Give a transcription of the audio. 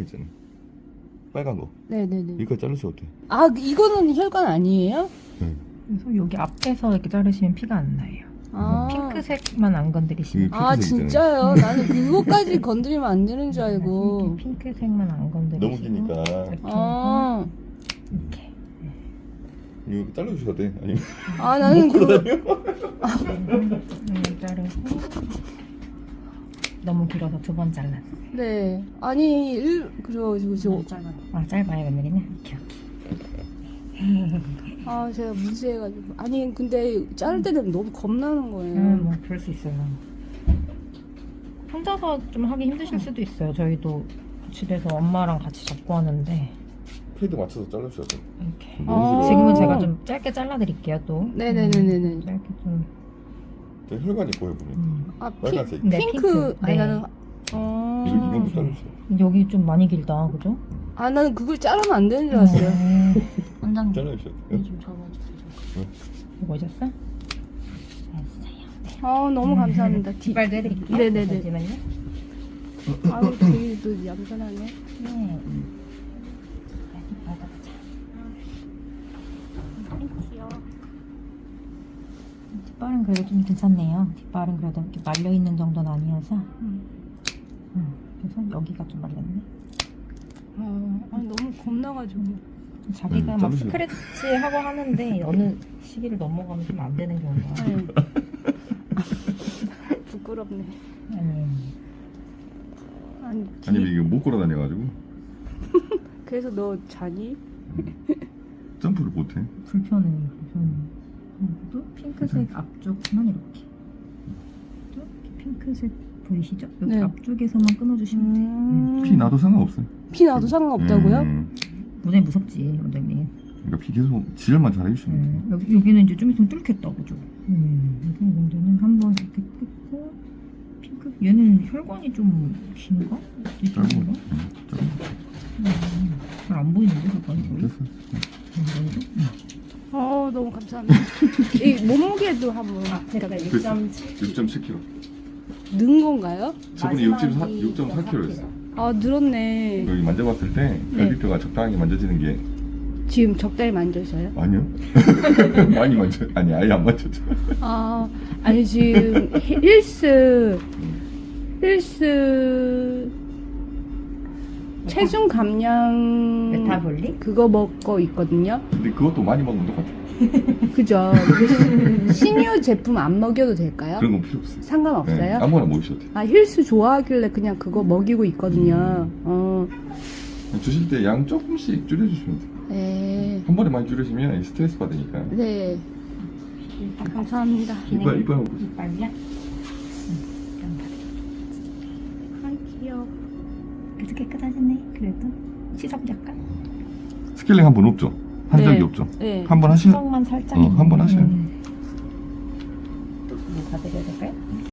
있잖아. 빨간 거. 네네네. 이거 자르셔도 돼. 아, 이거는 혈관 아니에요? 네. 그래서 여기 앞에서 이렇게 자르시면 피가 안 나요. 아. 핑크색만 안 건드리시면. 이게 아, 핑크색이잖아요. 진짜요? 나는 그거까지 건드리면 안 되는 줄 알고. 핑크색만 안 건드리시고. 너무 기니까. 이렇게 아, 이렇게. 이거 잘라주셔도 돼. 아니면 아 나는 그거 자르고 너무 길어서 2번 잘랐어요. 네 아니 그래가지고 짧아요 며느리는? 오케이. 아 제가 무지해가지고 아니 근데 자를 때 되면 너무 겁나는 거예요. 뭐 그럴 수 있어요. 혼자서 좀 하기 힘드실 수도 있어요. 저희도 집에서 엄마랑 같이 잡고 하는데 패드 맞춰서 잘라주셔도 돼. 이렇게. 아. 지금은 제가 좀 짧게 잘라드릴게요 또. 네네네네네. 짧게 좀. 저 혈관이 보여 보면. 아 빨간색. 네, 핑크 핑크. 아니 네. 나는 이런 거 잘라주세요. 여기 좀 많이 길다 그죠? 아 나는 그걸 자르면 안 되는 줄 알았어요. 원장님 잘라주셔도 돼. 좀 접어주세요. 이거 오셨어? 됐어요. 아 너무 감사합니다. 뒷발도 해드릴게요. 네네네. 잠시만요. 아유 되게 또 얌전하네. 네. 뒷발도 귀여워. 뒷발은 그래도 좀 괜찮네요. 뒷발은 그래도 이렇게 말려 있는 정도는 아니어서. 그래서 여기가 좀 말렸네. 아니 너무 겁나가지고. 자기가 막 자르세요. 스크래치 하고 하는데 어느 시기를 넘어가면 좀 안 되는 경우가. 아유. 부끄럽네. 아니 아니면 이거 못 걸어 다녀가지고 그래서 너 자니? 점프를 못해. 불편해. 또 핑크색 앞쪽만 이렇게. 또 이렇게 핑크색 보이시죠? 여기 네. 앞쪽에서만 끊어주시면 돼요. 피 나도 상관없어요. 피 나도 상관없다고요? 무대 무섭지, 원장님. 그러니까 피 계속 지혈만 잘 해주시면 돼. 여기는 이제 좀 있으면 뚫겠다, 그죠? 여기 정도는 한번 이렇게 뜯고 핑크. 얘는 혈관이 좀 긴가? 짧고. 이쪽인가? 잘 안 보이는데 혈관이 거의. 됐어. 너무 감사합니다. 이 몸무게도 한번 제가 6.7kg. 는 건가요? 저분이 6.4kg였어. 아 늘었네. 여기 만져봤을 때 네. 갈비뼈가 적당하게 만져지는 게 지금 적당히 만져서요? 아니요. 많이 만져. 아니 아예 안 만졌죠. 아 아니 지금 힐스 체중 감량 메타볼릭? 그거 먹고 있거든요. 근데 그것도 많이 먹으면 똑같아. 그죠? 신유 제품 안 먹여도 될까요? 그런 건 필요 없어요. 상관없어요? 네, 아무거나 먹으셔도 돼요. 아 힐스 좋아하길래 그냥 그거 먹이고 있거든요. 주실 때 양 조금씩 줄여주시면 돼요. 네. 한 번에 많이 줄이시면 스트레스 받으니까. 네. 감사합니다. 이빨 먹고 있어요. 이빨이야? 아 귀여워. 그래도 깨끗하시네. 그래도 시석 약간. 스케일링 한 번 없죠? 한 네. 적이 없죠? 네. 한 번 하시면 시석만 살짝. 한번 하셔요. 뭐 받으려야 될까요?